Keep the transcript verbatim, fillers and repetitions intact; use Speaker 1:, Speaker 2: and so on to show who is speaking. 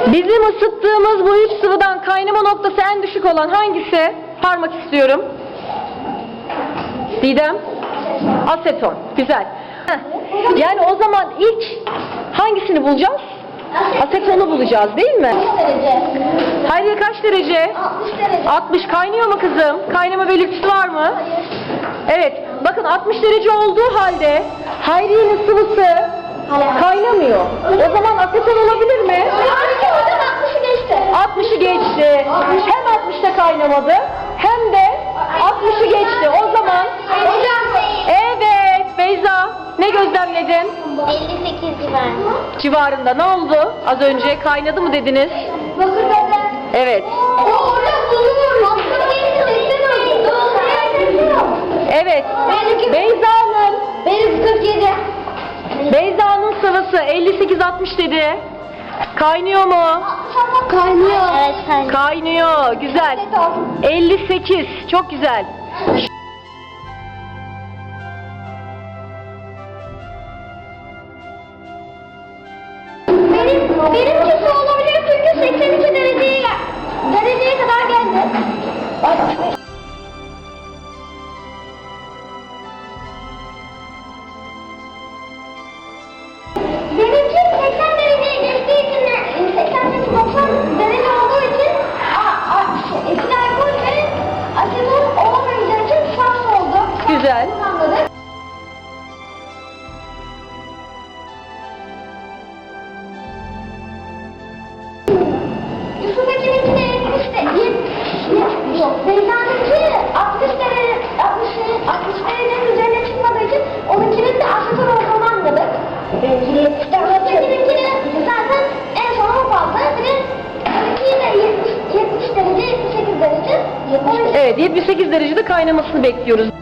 Speaker 1: Bizim ısıttığımız bu üç sıvıdan kaynama noktası en düşük olan hangisi? Parmak istiyorum. Didem? Aseton. Güzel. Heh. Yani o zaman ilk hangisini bulacağız? Asetonu bulacağız değil mi? Hayriye kaç derece?
Speaker 2: altmış derece.
Speaker 1: altmış. Kaynıyor mu kızım? Kaynama belirtisi var mı? Evet. Bakın altmış derece olduğu halde Hayriye'nin sıvısı kaynamıyor. O zaman aseton olabilir mi?
Speaker 2: altmışı geçti.
Speaker 1: altmışı geçti. Hem altmışta kaynamadı hem de altmışı geçti. O zaman evet Beyza ne gözlemledin?
Speaker 2: elli sekiz civarında.
Speaker 1: Civarında ne oldu? Az önce kaynadı mı dediniz?
Speaker 2: Bakır beden.
Speaker 1: Evet.
Speaker 2: Orada bulunuyoruz.
Speaker 1: Evet. Beyza'nın
Speaker 2: Benim kırk yedi.
Speaker 1: Beyza'nın sıvısı elli sekiz altmış dedi. Kaynıyor mu?
Speaker 2: Kaynıyor. Evet kaynıyor.
Speaker 1: Kaynıyor. Güzel. elli sekiz. Çok güzel.
Speaker 2: Benim, benimkisi olabilir çünkü seksen iki dereceye, dereceye kadar geldi. Benimki seksen dereceye geçtiği için, seksen doksan derece olduğu için a, a, şey, etil alkol ve aseton olamayacağı için şans oldu.
Speaker 1: Güzel.
Speaker 2: Anladık. Yusuf Ekin'inkine yetmiş de, yetmiş, yok, Beyza'nınki altmış derece, altmış, altmış derecenin üzerine çıkmadığı için onunkinin de aseton olduğunu anladık. Yusuf Ekin'inkine zaten en son o fazla, bir de onunki de yetmiş, yetmiş derece, yetmiş sekiz derece.
Speaker 1: Evet, yetmiş sekiz derecede kaynamasını bekliyoruz.